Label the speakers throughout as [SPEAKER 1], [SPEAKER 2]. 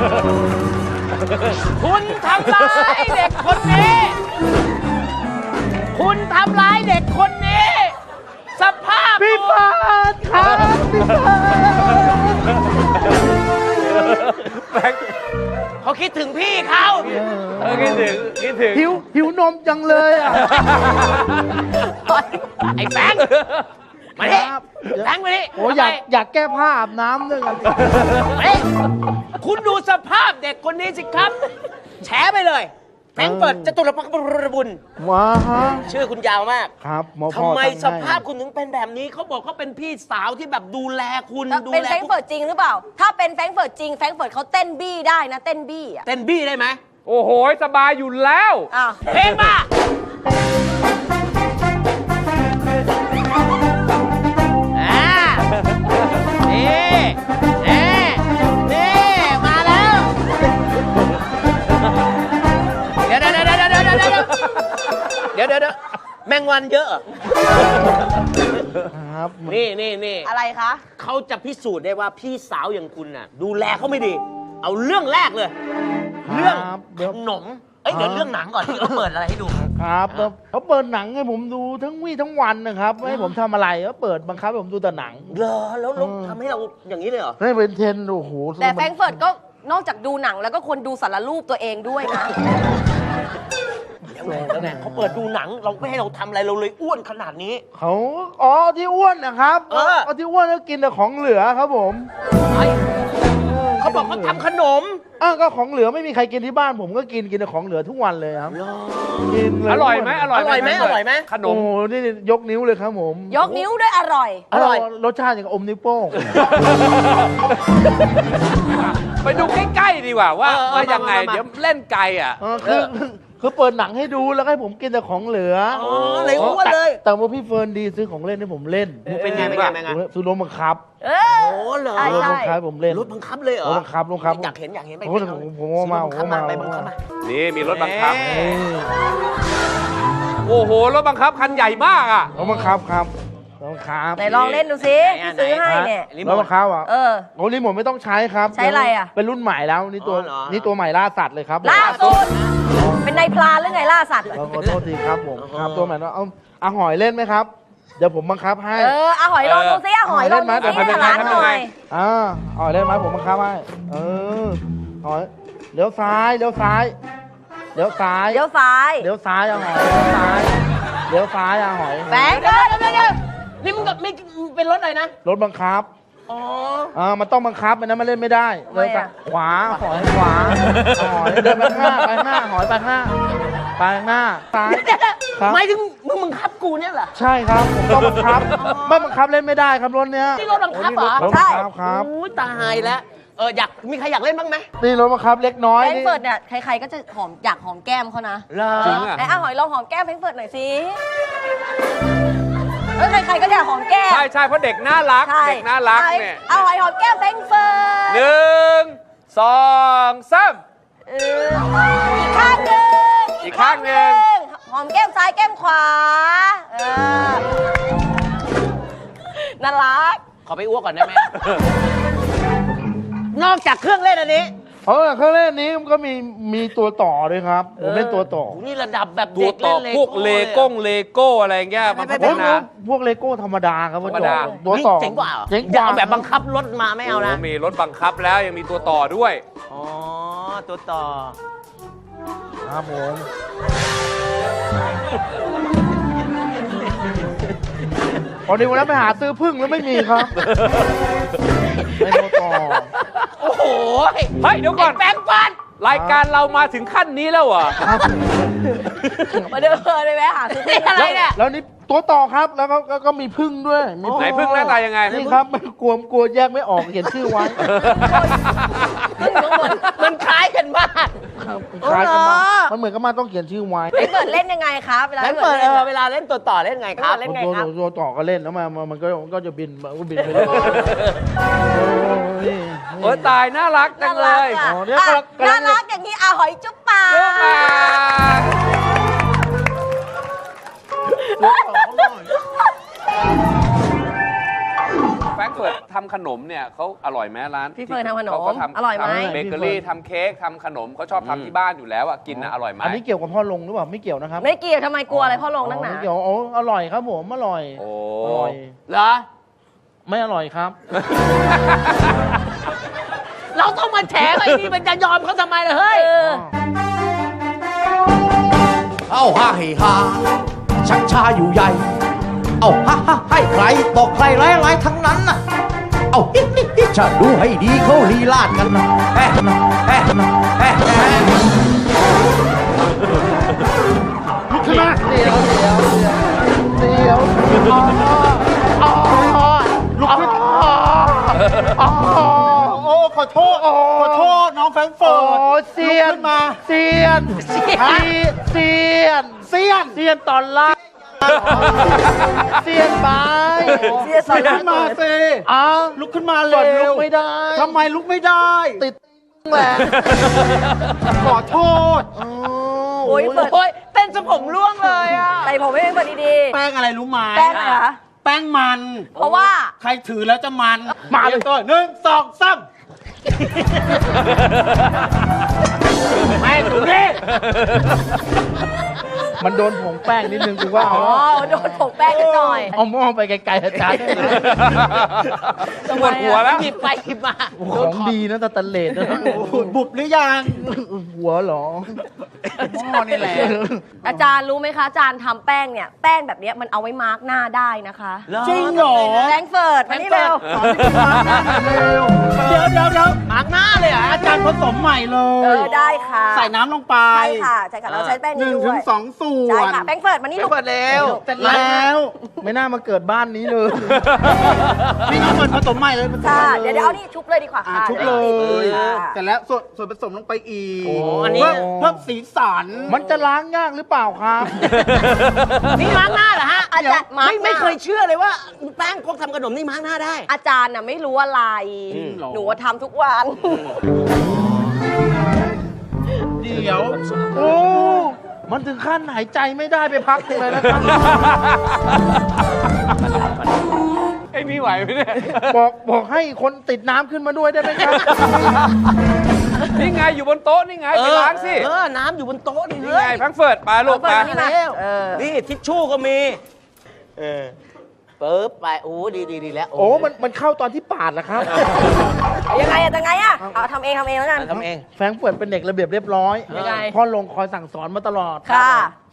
[SPEAKER 1] คุณทำร้ายเด็กคนนี้ คุณทำร้ายเด็กคนนี้ สภาพ
[SPEAKER 2] พี่
[SPEAKER 1] พี่
[SPEAKER 2] ปานครับพี่ปาน
[SPEAKER 1] เขาคิดถึงพี่เขา
[SPEAKER 3] คิดถึง
[SPEAKER 2] หิวนมจังเลยอ่ะ
[SPEAKER 1] ไอ้แบงค์มาดิแบงค์มาดิ
[SPEAKER 2] โอ้อยากแก้ผ้าอาบน้ำด้วยกัน
[SPEAKER 1] เฮ้ยคุณดูสภาพเด็กคนนี้สิครับ แฉไปเลยแฟรงก์เฟิร์ตจตุรพักษ์บุญ
[SPEAKER 2] ว้าฮะ
[SPEAKER 1] ชื่อคุณยาวมาก
[SPEAKER 2] ครับหมอพ่อ
[SPEAKER 1] ทำไม
[SPEAKER 2] ตั้งให้
[SPEAKER 1] สภาพคุณถึงเป็นแบบนี้เขาบอกเขาเป็นพี่สาวที่แบบดูแลคุณดู
[SPEAKER 4] เป็น
[SPEAKER 1] แล
[SPEAKER 4] แฟรงก์เฟิร์ตจริงหรือเปล่า ถ้าเป็นแฟรงก์เฟิร์ตจริงแฟรงก์เฟิร์ตเขาเต้นบี้ได้นะเต้นบี้อ่ะ
[SPEAKER 1] เต้นบี้ได้ไหม
[SPEAKER 3] โอ้โหสบายอยู่แล้ว
[SPEAKER 4] อ้าว
[SPEAKER 1] เพลงมานี่มาแล้ว เดี๋ยวแมงวันเยอะ
[SPEAKER 2] ครับ
[SPEAKER 1] นี่
[SPEAKER 4] อะไรคะ
[SPEAKER 1] เขาจะพิสูจน์ได้ว่าพี่สาวอย่างคุณน่ะ ดูแลเขาไม่ดี เอาเรื่องแรกเลย เรื่องขนมเดี๋ยวเรื่องหนังก่อนที่เขาเปิดอะไรให้ดู
[SPEAKER 2] ครับเขาเปิดหนังให้ผมดูทั้งวี่ทั้งวันนะครับไม่ให้ผมทำอะไรเขาเปิดบังคับให้ผมดูแต่หนัง
[SPEAKER 1] เหรอแล้วทำให้เราอย่างนี้เลยเหรอ
[SPEAKER 2] ให้เป็นเทรนด์โอ้โห
[SPEAKER 4] แต่แฟรงก์เฟิร์ตก็นอกจากดูหนังแล้วก็ควรดูสารรูปตัวเองด้วยนะ
[SPEAKER 1] แล้วไงเขาเปิดดูหนังเราไม่ให้เราทำอะไรเราเลยอ้วนขนาดนี้
[SPEAKER 2] เขาที่อ้วนนะครับที่อ้วนก็กินแต่ของเหลือครับผม
[SPEAKER 1] เขาบอกเขาทำขนม
[SPEAKER 2] ก็ของเหลือไม่มีใครกินที่บ้านผมก็กินแต่ของเหลือทุกวันเลยครับกินเลย
[SPEAKER 3] อร่อยไหมอร่อยไหมขน
[SPEAKER 2] โอ้
[SPEAKER 3] ม
[SPEAKER 2] โหนี่ยกนิ้วเลยครับผม
[SPEAKER 4] ยกนิ้วด้วยอร่อย
[SPEAKER 1] อร่อย
[SPEAKER 2] รสชาติอย่างกับอมนิ้วโป้ง
[SPEAKER 3] ไปดูใกล้ๆดีกว่าว่ายังไง เดี๋ยวเล่นไกลอ่ะ
[SPEAKER 2] คือเปิดหนังให้ดูแล้วให้ผมกินแต่ของเหลือ
[SPEAKER 1] เลยอ้วนเลย
[SPEAKER 2] แต่ว่าพี่เฟิร์นดีซื้อของเล่นให้ผมเล่น
[SPEAKER 1] เป็นไง
[SPEAKER 2] ซื้อรถบังคับ
[SPEAKER 4] เออ
[SPEAKER 1] โอ้เหรอ
[SPEAKER 4] ใช่
[SPEAKER 2] รถบังคับผมเล่น
[SPEAKER 1] รถบังคับเลยเหรอ
[SPEAKER 2] รถบังคับ
[SPEAKER 1] อยากเห็นไป
[SPEAKER 2] ผมมา
[SPEAKER 1] ไปบังคับมา
[SPEAKER 3] นี่มีรถบังคับ โอ้โห รถบังคับคันใหญ่มากอ่ะ
[SPEAKER 2] รถบังคับครับรถบังคับ
[SPEAKER 4] ไหนลองเล่นดูสิที่ซื้อให้เนี่ย
[SPEAKER 2] รถบังคับอ่ะ
[SPEAKER 4] เออ
[SPEAKER 2] โอ้รีโมทไม่ต้องใช้ครับ
[SPEAKER 4] ใช้อะไรอ่ะ
[SPEAKER 2] เป็นรุ่นใหม่แล้วนี่ตัวใหม่ล่าสัตว์เลยครับ
[SPEAKER 4] ล่าสุดเป็นนายพรานหรือไงล่าสัตว์
[SPEAKER 2] ขอโทษทีครับผมครับตัวใหม่แล้วเอาหอยเล่นไหมครับเดี๋ยวผมบังคับให้
[SPEAKER 4] เอาหอยลองดูสิเอาหอยลองดูสิร้านหน่อย
[SPEAKER 2] หอยเล่นไหมผมบังคับให้หอยเลี้ยวซ้ายเอาหอยเลี้ยวซ้ายเอาหอย
[SPEAKER 4] แบงค์เดี๋ยว
[SPEAKER 1] นี่มึงเป็นรถอะไรนะ
[SPEAKER 2] รถบังคับมันต้องบังคับมันเล่นไม่ได้เลยขวาหอยขวาหอยเดินไปข้างหอยไปข้างซ้าย
[SPEAKER 1] หมายถึงมึงบังคับกูเนี่ยเหรอ
[SPEAKER 2] ใช่ครับผมต้องบังคับไม่บังคับเล่นไม่ได้ครับรถเนี้ย
[SPEAKER 1] นี่รถบังคับเหรอ
[SPEAKER 2] รถบังคับครับ
[SPEAKER 1] อุ้ยตายแล้วมีใครอยากเล่นบ้างไหม
[SPEAKER 2] นี่รถบังคับเล็กน้อย
[SPEAKER 4] แฟรงก์เฟิร์ตเนี่ยใครๆก็จะอยากหอมแก้มเขานะ
[SPEAKER 3] จริงอ่ะ
[SPEAKER 4] ไหนเอาหอยลองหอมแก้มแฟรงก์เฟิร์ตหน่อยสิใครๆก็อยากหอมแก้ม
[SPEAKER 3] ใช่เพราะเด็กน่ารัก เด็กน่ารักเนี่ย
[SPEAKER 4] เอาหอยหอมแก้มแฟรงก์เฟิร์ต
[SPEAKER 3] 1 2 3
[SPEAKER 4] อีกข้างหนึ่ง
[SPEAKER 3] อีกข้างหนึ่ง
[SPEAKER 4] หอมแก้มซ้ายแก้มขวาน่ารัก
[SPEAKER 1] ขอไปอ้วกก่อนได้ไหม นอกจากเครื่องเล่นอันนี้
[SPEAKER 2] เครื่องเล่นนี้ก็มีตัวต่อด้วยครับผมเล่นตัวต่อ
[SPEAKER 1] นี่ระดับแบบ
[SPEAKER 3] ตัว
[SPEAKER 1] เด็ก
[SPEAKER 3] ต่
[SPEAKER 1] เล่
[SPEAKER 3] อน พวกเลโก้อะไรเงี้ยมาพัฒนา
[SPEAKER 2] พวกเลโก้ธรรมดาครับ
[SPEAKER 3] ธรรมดา
[SPEAKER 2] ตัวต่อ
[SPEAKER 1] เจ๋งกว่า
[SPEAKER 2] เจ๋งก
[SPEAKER 1] อย่า
[SPEAKER 2] ว่า
[SPEAKER 1] เอาแบบบังคับรถมาไม่เอานะ
[SPEAKER 3] มีรถบังคับแล้วยังมีตัวต่อด้วย
[SPEAKER 1] อ๋อตัวต่อ
[SPEAKER 2] ครับผม พอดีวันนั้นไปหาซื้อพึ่งแล้วไม่มีครับไม่ตัวต่อ
[SPEAKER 1] โอ้โห
[SPEAKER 3] เฮ้ยเดี๋ยวก่อน
[SPEAKER 1] แปลงฟัน
[SPEAKER 3] รายการเรามาถึงขั้นนี้แล้วเหรอ
[SPEAKER 2] ครับ
[SPEAKER 4] มาเดินเลยไหมหาซื้อ
[SPEAKER 1] นี่อะไรเนี่ย
[SPEAKER 2] แล้วนี่ตัวต่อครับแล้วก็มีพึ่งด้วยมี
[SPEAKER 3] ไหนพึ่งหน้าตายังไง
[SPEAKER 2] นี่ครับไม่กลัวแยกไม่ออกเขียนชื่อไว้
[SPEAKER 1] มันคล้ายกันมาก
[SPEAKER 2] ครับคล้ายกันมากมันเหมือนกับมันต้องเขียนชื่อไว้
[SPEAKER 4] แฟรงก์เฟิร์ตเล่นยังไงครับเวลา
[SPEAKER 1] แล้วเปิดเวลาเล่นตัวต่อเล่นไงครับ
[SPEAKER 4] เล่นไงครับ
[SPEAKER 2] ตัวต่อก็เล่นแล้วมันก็จะบินไปเรื่อยๆ
[SPEAKER 3] โอ้ตายน่ารักจังเลย
[SPEAKER 4] น่ารัก
[SPEAKER 2] อ๋อเนี่ย
[SPEAKER 4] อ่ะ
[SPEAKER 2] กำลัง
[SPEAKER 4] น่ารักอย่างนี้หอยจุ๊บปาก
[SPEAKER 3] เรื่องมา
[SPEAKER 2] ตัวต่อเขาหน่อย
[SPEAKER 3] แฟรงก์เฟิร์ตทำขนมเนี่ยเขาอร่อยไหมร้าน
[SPEAKER 4] พี่เฟิร์นทำขนม
[SPEAKER 3] เขาก็
[SPEAKER 4] อร่อยไหม
[SPEAKER 3] ทำเบเกอรี่ทำเค้กทำขนมเขาชอบทำที่บ้านอยู่แล้วอ่ะกินนะอร่อยไหม
[SPEAKER 2] อันนี้เกี่ยวกับพ่อลงหรือเปล่าไม่เกี่ยวนะครับ
[SPEAKER 4] ไม่เกี่ยวทำไมกลัวอะไรพ่อลงนักหนา
[SPEAKER 2] ไม่เกี่ยวโอ้อร่อยครับผมอร่อย
[SPEAKER 3] โอ้
[SPEAKER 2] อร่อย
[SPEAKER 1] เหรอ
[SPEAKER 2] ไม่อร่อยครับ
[SPEAKER 1] เราต้องมาแฉไอ้นี่มันจะยอมเขาทำไมล่ะเฮ้ย
[SPEAKER 5] เอาฮ่าให้ฮาชักชาอยู่ใหญ่ เอาฮ่าฮ่าให้ใครต่อใครร้ายๆทั้งนั้นน่ะ เอาฮิฮิฮิจะดูให้ดีเขาลีลาดกันนะแอะนะแอะนะแอะแอะ
[SPEAKER 2] ลุกขึ้นมาเดี๋ยวอ๋อลุกขึ้นโอ้ขอโทษน้องแฟรงก์เฟิร์ตเซียนมาเซียนตอนล่างเซียนไป
[SPEAKER 4] เสียสอน
[SPEAKER 6] ขึ้นมาสิ
[SPEAKER 2] อ้าว
[SPEAKER 6] ลุกขึ้นมา
[SPEAKER 2] ก่
[SPEAKER 6] เร็
[SPEAKER 2] อนลุ
[SPEAKER 6] ว
[SPEAKER 2] กไม่ได้
[SPEAKER 6] ทำไมลุกไม่ได้
[SPEAKER 2] ติดแหละ
[SPEAKER 6] ขอโทษ
[SPEAKER 4] โอ้ยเปิด
[SPEAKER 1] โอ้ยเต้นจนผมร่วงเลยอ่ะ
[SPEAKER 4] ใส่ผมให้เปิดดี
[SPEAKER 6] แป้งอะไรรู้ไหม
[SPEAKER 4] ๆแป้งอะไรคะ
[SPEAKER 6] แป้งมัน
[SPEAKER 4] เพราะว่า
[SPEAKER 6] ใครถือแล้วจะมัน
[SPEAKER 2] มาเลย
[SPEAKER 6] ตัว1 2 3
[SPEAKER 1] ไม่ดูนี่
[SPEAKER 2] มันโดนผงแป้งนิดนึงกูว่า
[SPEAKER 4] อ๋อโดนผงแป้งนิดหน่อย
[SPEAKER 2] เอาหม้อไปไกลๆอาจารย์
[SPEAKER 3] ปวดหัวแล้ว
[SPEAKER 1] หยิบไปหยิบมา
[SPEAKER 2] ของดีนะตะตันเลดนะ
[SPEAKER 6] บุบหรือยัง
[SPEAKER 2] หัวเหรอ
[SPEAKER 6] หม้อนี่แหละ
[SPEAKER 4] อาจารย์รู้ไหมคะอาจารย์ทำแป้งเนี่ยแป้งแบบเนี้ยมันเอาไว้มาร์กหน้าได้นะคะ
[SPEAKER 6] จริงเหรอ
[SPEAKER 4] แฟรงก์เฟิร์ตมานี่เร็ว
[SPEAKER 6] ขอที่คุณมาเร็วเดี๋ยว
[SPEAKER 1] มาร์กหน้าเลยเหรอ
[SPEAKER 6] อาจารย์ผสมใหม่เล
[SPEAKER 4] เอย อได้ค่ะ
[SPEAKER 6] ใส่น้ำลงไป
[SPEAKER 4] ใช่ค่ะใช่ค่ะเราใช้แป้งนี้ด้วย
[SPEAKER 6] 1 ถึง 2 ส่ว
[SPEAKER 4] ใช่
[SPEAKER 6] น
[SPEAKER 4] ค่ะแฟรงก์เฟิร์ตมานี่ลูก
[SPEAKER 1] เปิดเร็ว
[SPEAKER 6] เสร็จแล้ว
[SPEAKER 2] ไม่น่ามาเกิดบ้านนี้เลย
[SPEAKER 6] นี่น้ำมันผสมใหม่เลยผสม
[SPEAKER 4] ค่ะ
[SPEAKER 6] ใหม่
[SPEAKER 4] เดี๋ยวเอานี่ชุบเลยดีกว่า
[SPEAKER 6] อ่ะ
[SPEAKER 4] ค่ะ
[SPEAKER 6] ชุบเลย
[SPEAKER 4] ค่ะ
[SPEAKER 6] เสร็จแล้วส่วนผสมลงไปอีก
[SPEAKER 2] โอ้
[SPEAKER 1] อันนี้
[SPEAKER 6] เพิ่มสีสัน
[SPEAKER 2] มันจะล้างยากหรือเปล่าครับ
[SPEAKER 1] นี่มาร์กหน้าเหรอฮะ
[SPEAKER 4] อาจารย์มาร์ค
[SPEAKER 1] ไม่เคยเชื่อเลยว่าแป้งพวกทำขนมนี่มาร์กหน้าได้
[SPEAKER 4] อาจารย์น่ะไม่รู้อะไร หนูว่าทำทุกวัน
[SPEAKER 6] เดี๋ยว
[SPEAKER 2] โอ้มันถึงขั้นหายใจไม่ได้ไปพักหนึ่งเลยนะครับ
[SPEAKER 3] ไอ้นี่ไหวไหมเนี่ย
[SPEAKER 2] บอกให้คนติดน้ำขึ้นมาด้วยได้ไหมครับ
[SPEAKER 3] นี่ไงอยู่บนโต๊ะนี่ไงไปล้างสิ
[SPEAKER 1] น้ำอยู่บนโต๊ะนี่
[SPEAKER 3] นี่
[SPEAKER 1] เฮ้
[SPEAKER 3] ไง
[SPEAKER 1] ย
[SPEAKER 3] แฟรงก์เฟิร์ตไปลูกไป
[SPEAKER 4] นี่มา
[SPEAKER 1] นี่ทิชชู่ก็มีปึ๊บไปโอ้ดีแล้ว
[SPEAKER 2] โอ้มันเข้าตอนที่ปาดนะครับ
[SPEAKER 4] ยังไงเอาทำเองแล้วกัน
[SPEAKER 1] ทำเอง
[SPEAKER 2] แฟรงก์เฟิร์ตเป็นเด็กระเบียบเรียบร้อย
[SPEAKER 4] ยังไง
[SPEAKER 2] พ่อลงคอยสั่งสอนมาตลอด
[SPEAKER 4] ค่ะ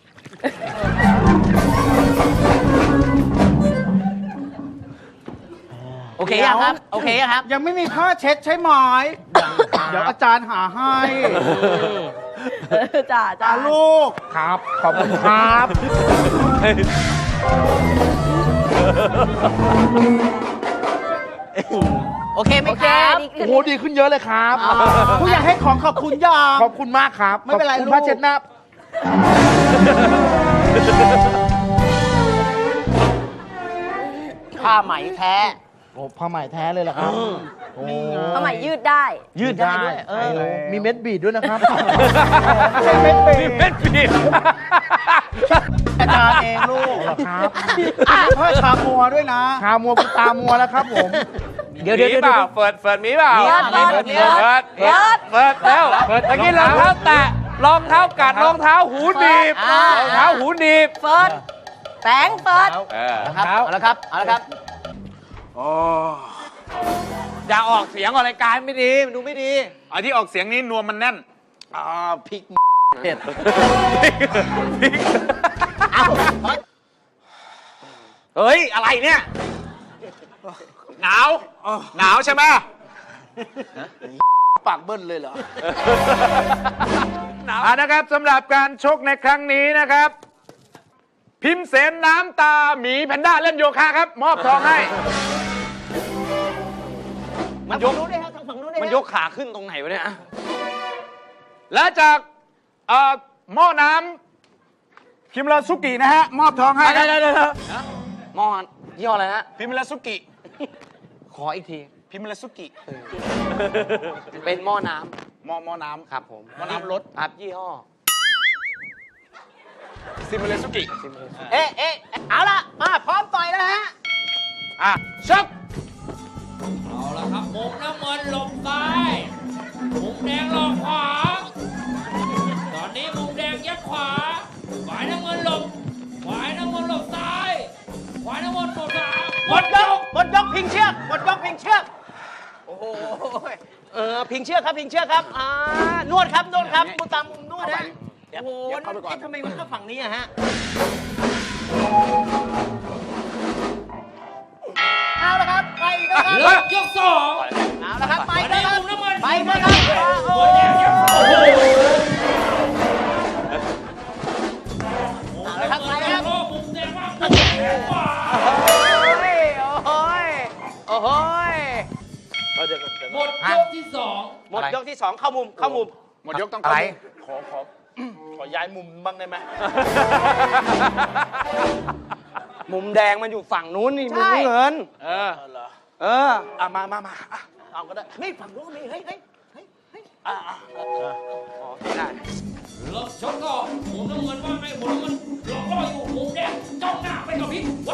[SPEAKER 1] โอเคยังครับ โอเคยังครับ
[SPEAKER 6] ยังไม่มีผ้าเช็ดใช่ไหมเดี๋ยวอาจารย์หาให้
[SPEAKER 4] จ้า
[SPEAKER 6] ลูก
[SPEAKER 2] ครับ ขอบคุณครับ
[SPEAKER 1] โอเคไหม
[SPEAKER 4] โอ
[SPEAKER 1] ค
[SPEAKER 4] เค
[SPEAKER 1] รับ
[SPEAKER 4] ดี
[SPEAKER 2] โอ้โหดีขึ้นเยอะเลยครับ
[SPEAKER 6] ผู้ใหญ่ให้ของขอบคุณยัง
[SPEAKER 2] ขอบคุณมากครับ
[SPEAKER 6] ไม่เป็นไร
[SPEAKER 2] ขอบคุณ
[SPEAKER 6] ลูก
[SPEAKER 2] ผ้าเช็ดหน้า
[SPEAKER 1] ผ้าไหมแท้
[SPEAKER 2] โอ้ผ้าไหมแท้เลยเหรอครับโอ้
[SPEAKER 4] ทำไมยืดได้
[SPEAKER 1] ยืดได้ด้วย
[SPEAKER 2] โอ้มีเม็ดบีดด้วยนะครับ
[SPEAKER 3] นี่เม็ดบีบ
[SPEAKER 6] อาจารย์เองลูก
[SPEAKER 2] เหรอครับ
[SPEAKER 6] ผ้าชามัวด้วยนะ
[SPEAKER 2] ชามัวกูตามัวแล้วครับผม
[SPEAKER 1] เดี๋ยว
[SPEAKER 3] มีเปล่าเฟิร์ตมีเปล่า
[SPEAKER 4] เปิด
[SPEAKER 3] เปิดแล้วเมื่อกี้รองเท้าแตะรองเท้ากัดรองเท้าหูหนีบรองเท้าหูหนีบ
[SPEAKER 4] เฟิร์สแฟรงก์เฟิร์ต
[SPEAKER 1] ครับเอาละครับเอาละครับ
[SPEAKER 3] อย่าออกเสียงออกรายการไม่ดีมันดูไม่ดี
[SPEAKER 7] ไอ้ที่ออกเสียงนี้นวมมันแน่น
[SPEAKER 2] พริกเผ็ด
[SPEAKER 7] เฮ้ย อะไรเนี่ย หนาว หนาวใช่ไหม
[SPEAKER 2] ปากเบิ้ลเลยเหรอ
[SPEAKER 7] นะครับสำหรับการชกในครั้งนี้นะครับ พิมพ์เสนน้ำตาหมีแพนด้าเล่นโยคะครับ มอบทองให้
[SPEAKER 1] มันยกนู้นด้วยครับทางฝั่งนู้นด้วย
[SPEAKER 3] มันยกขาขึ้นตรงไหนวะเนี่ย
[SPEAKER 7] และจากหม้อน้ำพิมราสุกินะฮะ มอบทองให้ครับ
[SPEAKER 3] มอนยี่ห้ออะไรฮะ
[SPEAKER 7] พิมราสุกิ
[SPEAKER 3] ขออีกที
[SPEAKER 7] พิมราสุกิ
[SPEAKER 3] เป็นหม้อน้
[SPEAKER 7] หม้อน้ำ
[SPEAKER 3] ำครับผม
[SPEAKER 7] หม้อน้ำรถ
[SPEAKER 3] ครับยี่ห้อ
[SPEAKER 7] ซิมราสุกิ
[SPEAKER 1] เอาละมาพร้อมต่อยแล้วฮะ
[SPEAKER 7] อ่ะชัก
[SPEAKER 8] เอาละครับมุมน้ำเงินหลบซ้ายมุมแดงหลบขวา ตอนนี้มุมแดงยัดขวาฝ่ายน้ำเงินหลบฝ่ายน้ำเงินหลบซ้ายฝ่ายน้ำเงินหลบขวา
[SPEAKER 1] หมดยกพิงเชือกหมดยกพิงเชือกโอ้โหพิงเชือกครับพิงเชือกครับนวดครับมุมตามมุมนวดนะโอ้โหทำไมมันเข้าฝั่งนี้อะฮะเอาละครับไปนะครับ
[SPEAKER 8] เลิกยกสอง
[SPEAKER 1] เอาละครับไป
[SPEAKER 8] ตอน
[SPEAKER 1] นะ
[SPEAKER 8] นี้
[SPEAKER 1] ครับ
[SPEAKER 8] มุมน้ำเงิน
[SPEAKER 1] ไปนะครับโอ้
[SPEAKER 8] มุมแดงยัดขวา
[SPEAKER 1] เอาละครับไปนะครับ
[SPEAKER 8] มุมแดงว่างมุมแดงขวา
[SPEAKER 1] โอ้โห
[SPEAKER 8] หมดยกที่สอง
[SPEAKER 1] หมดยกที่สองเข้ามุม
[SPEAKER 7] หมดยกต้อง
[SPEAKER 2] อะไร
[SPEAKER 7] ขอย้ายมุมบ้างได้ไหม
[SPEAKER 3] มุมแดงมันอยู่ฝั่งนู้นนี่มุมเงิน
[SPEAKER 7] เออ
[SPEAKER 3] เออ
[SPEAKER 7] มา
[SPEAKER 1] เอาก็ได้นี่ฝั่งนู้นนี่เฮ้ย
[SPEAKER 8] เลิกชกก็มุมน้ำเงินว่าไงมุมน้ำเงินหลอกล่ออยู่มุมแดงจ้องหน้าไปกับพริกว่า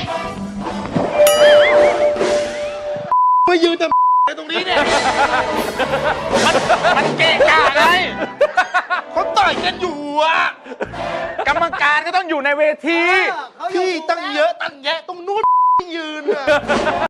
[SPEAKER 2] ไปยืนแต่ตรงนี้เนี่ย
[SPEAKER 7] มันเกะกะไง
[SPEAKER 2] เขาต่อยกันอยู่อ่ะ
[SPEAKER 7] กรรมการก็ต้องอยู่ในเวที
[SPEAKER 2] พี่ตั้งเยอะตั้งแยะตรงนู้นยืนอ่ะ